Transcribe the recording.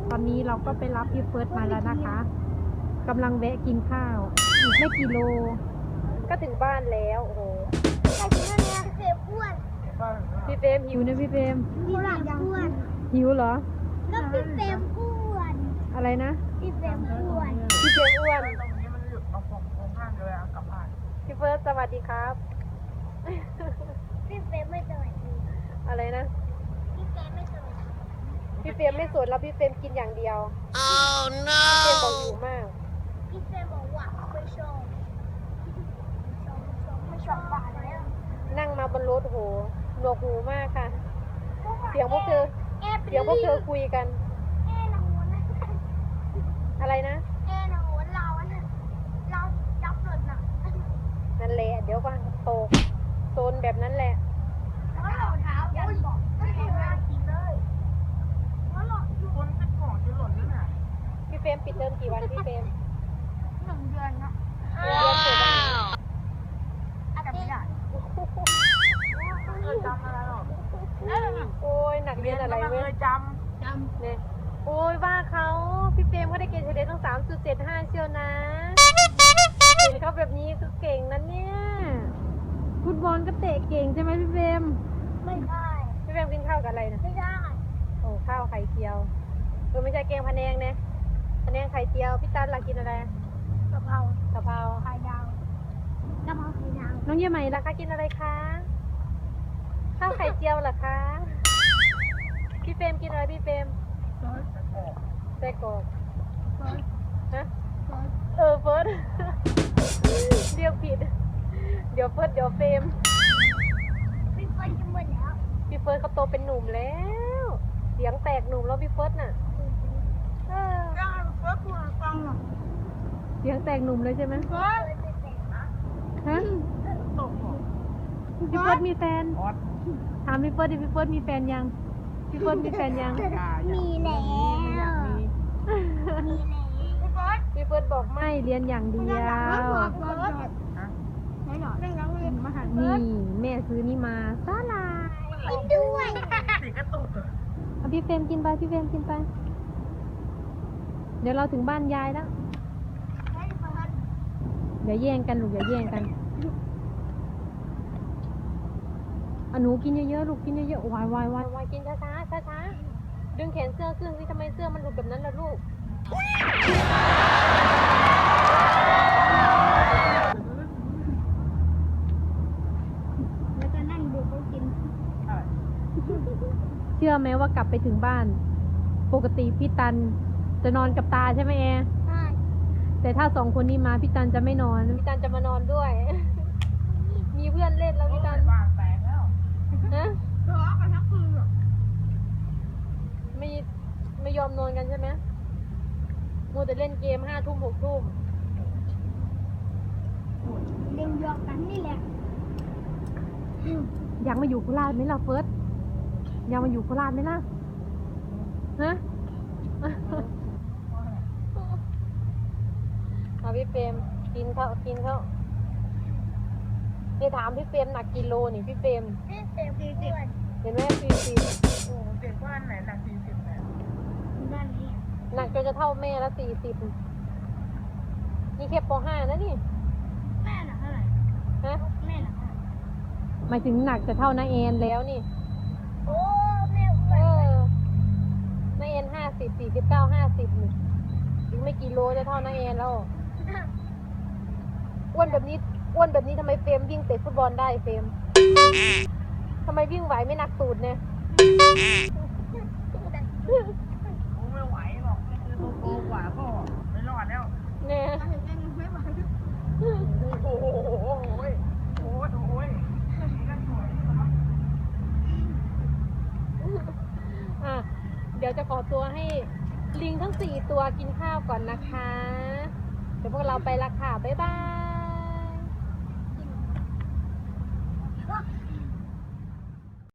ตอนนี้เราก็ไปรับพี่เฟิร์สมาแล้วนะคะกำลังแวะกินข้าวอีกไม่กี่โลก็ถึงบ้านแล้วโอ้โหแต่ที่นั่นเนี่ยเฟรมอ้วนพี่เฟรมหิวนะพี่เฟรมพี่หลานอ้วนหิวเหรอแล้วพี่เฟรมอ้วนอะไรนะพี่เฟรมอ้วนพี่เฟรมอ้วนตรงนี้มันหยุดเอาผมโค้งข้างเลยกลับบ้านพี่เฟิร์สสวัสดีครับพี่เฟรมไม่สวัสดีอะไรนะพี่เฟรมไม่สวัสดีพี่เฟรมไม่สนแล้วพี่เฟรมกินอย่างเดียว oh no พี่เฟรมบอกหิวมากพี่เฟรมบอกว่าไม่ชอบไม่ชอบบ้านแล้วนั่งมาบนรถโหหนวกหูมากค่ะ เสียงพวกเธอคุยกันแน่นอนนะอะไรนะแน่นอนเราจับหล่นน่ะนั่นแหละเดี๋ยวก็ตกโซนแบบนั้นแหละแล้วรองเท้ายันบอกไม่ให้มากินเลยแล้วหล่นอยู่คนเป็นของจะหล่นด้วยน่ะพี่เฟรมปิดเทอมกี่วันพี่เฟรม 1 เดือนนะเดือนเสร็จแล้วอาทิตย์เคยจำอะไรหรอกโอ้ยหนักเรียนอะไรเคเว้ยยจำเนี่ยโอ้ยว่าเขาพี่เฟรมเขาได้เกรดเฉลี่ยตั้ง3.75เชียวนะเห็นเขาแบบนี้คือเก่งนะเนี่ยฟุตบอลก็เตะเก่งใช่ไหมพี่เฟรมไม่ได้พี่เฟรมกินข้าวกับอะไรนะไม่ได้โอ้ข้าวไข่เจียวไม่ใช่แกงพะแนงนะพะแนงไข่เจียวพี่ตันล่ะกินอะไรกะเพรากะเพราไข่ดาวกะเพราไข่ดาวน้องเยี่ยมใหม่ล่ะคะกินอะไรคะข้าวไข่เจียวเหรอคะพี่เฟรมกินอะไรพี่เฟรมไส้กรอกฮะเฟิร์สเรียกผิดเดี๋ยวเฟิร์สเดี๋ยวเฟรมพี่เฟิร์นกินหมดแล้วพี่เฟิร์สเขาโตเป็นหนุ่มแล้วเสียงแตกหนุ่มแล้วพี่เฟิร์สน่ะเออยังเฟิร์สพูดฟังหรอเสียงแตกหนุ่มเลยใช่ไหมเฟิร์นไม่เป็นนะฮะตกหรอพี่เฟิร์สมีแฟนออสถามพี่เฟิร์สดิพี่เฟิร์สมีแฟนยังพี่เฟิร์สมีแฟนยังมีแล้วอยากมีมีแล้วพี่เฟิร์นพี่เฟิร์สบอกไม่เรียนอย่างเดียวฮะไม่หรอเรื่องร้องเรียนมหานี่แม่ซื้อนี่มาซาลากินด้วยติดกระตุกเอาพี่เฟรมกินไปพี่เฟรมกินไป เดี๋ยวเราถึงบ้านยายแล้วให้เฟิร์นอย่าแย่งกันลูกอย่าแย่งกันหนูกินเยอะๆลูกกินเยอะๆวายวายกินช้าๆช้าๆดึงแขนเสื้อขึ้นสิทำไมเสื้อมันหลุดแบบนั้นล่ะลูกแล้วก็นั่งดูเขากินเชื่อไหมว่ากลับไปถึงบ้าน ปกติพี่ตันจะนอนกับตาใช่ไหมแอร์ใช่แต่ถ้า2 คนนี้มาพี่ตันจะไม่นอนพี่ตันจะมานอนด้วย มีเพื่อนเล่นแล้วพี่ตันบ้านแตกแล้วฮะทะเลาะกันทั้งคืนอ่ะไม่ยอมนอนกันใช่ไหมมัวแต่เล่นเกม5 ทุ่ม6 ทุ่มเล่นยอกกันนี่แหละอยากมาอยู่โคราชไหมล่ะเฟิร์สอยากมาอยู่โคราชไหมล่ะฮะ เอาพี่เฟรมกินข้าวเนี่ยถามพี่เฟรมหนักกิโลนี่พี่เฟรมพี่เฟรมอ้วนเห็นไหม40 โอ้เด็กบ้านไหนหนัก40เนี่ยด้านนี้หนักจนจะเท่าแม่ละ40นี่แค่ป .5 นะนี่แม่หนักเท่าไหร่ฮะแม่หนักเท่าไหร่หมายถึงหนักจะเท่าน้าแอนแล้วนี่โอ้แม่อ้วเอน อน้าแอน50 49 50นี่อีกไม่กี่โลจะเท่าน้าแอนแล้วอ้วนแบบนี้ทำไมเฟรมวิ่งเตะฟุตบอลได้เฟรมทำไมวิ่งไหวไม่หนักตูดเนี่ยกูไม่ไหวหรอกนี่คือตัวโตกว่าพ่อไม่รอดแล้วเนี่ยไม่ไหวโอ้โหโอ้ยโอ้ยโอ้ยนั่นสวยอ่ะเดี๋ยวจะขอตัวให้ลิงทั้ง4 ตัวกินข้าวก่อนนะคะ เดี๋ยวพวกเราไปละค่ะบ๊ายบาย